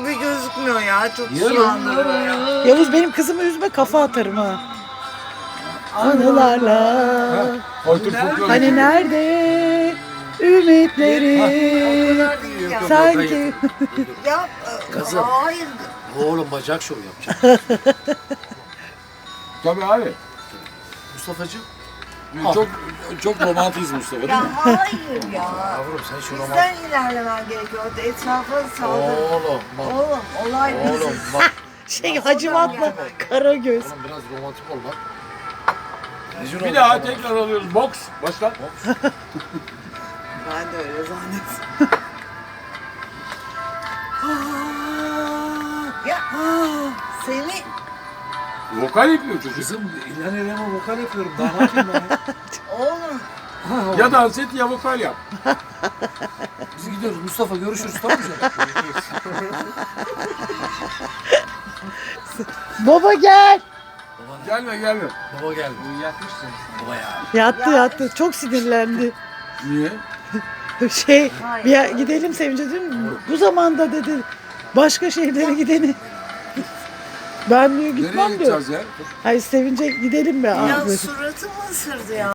gibi gözükmüyor ya. Çok Yarın. sulandırıyor ya. Yavuz benim kızımı üzme, kafa atarım ha. Anılarla. Otur folklor. Hani nerede ümitleri Ya. sanki. Ya Kızım. hayır. Oğlum bacak şovu yapacak. Tabii abi. Mustafa'cığım. Çok romantiyiz Mustafa değil Ya mi? hayır ya. Yavrum sen şu roman... Bizden ilerlemen gerekiyor. Etrafa saldır. Oğlum bak. Oğlum olay Oğlum biziz. bak. Şey Hacivat'la Karagöz. Oğlum biraz romantik ol bak. Rezil Bir olduk daha ama. tekrar alıyoruz. Boks. Başla. Ben de öyle zannettim. Ya seni Vokal yapıyor çocuk. Kızım İlhan Eren'e vokal yapıyorum. Daha ne yapayım ben? oğlum Ya dans et ya vokal yap. Biz gidiyoruz. Mustafa görüşürüz tamam mı canım? Baba gel. Gelme gelme. Baba geldi. Yatmışsın. Baba ya. Yattı. Çok sinirlendi. Niye? Şey, bir gidelim Sevinç'e dedim. Bu zamanda dedi başka şehirlere gideni. Ben diyor Nereye gitmem diyor. gideceğiz ya? Hayır Sevinç'e gidelim mi ya abi? suratımı ısırdı ya.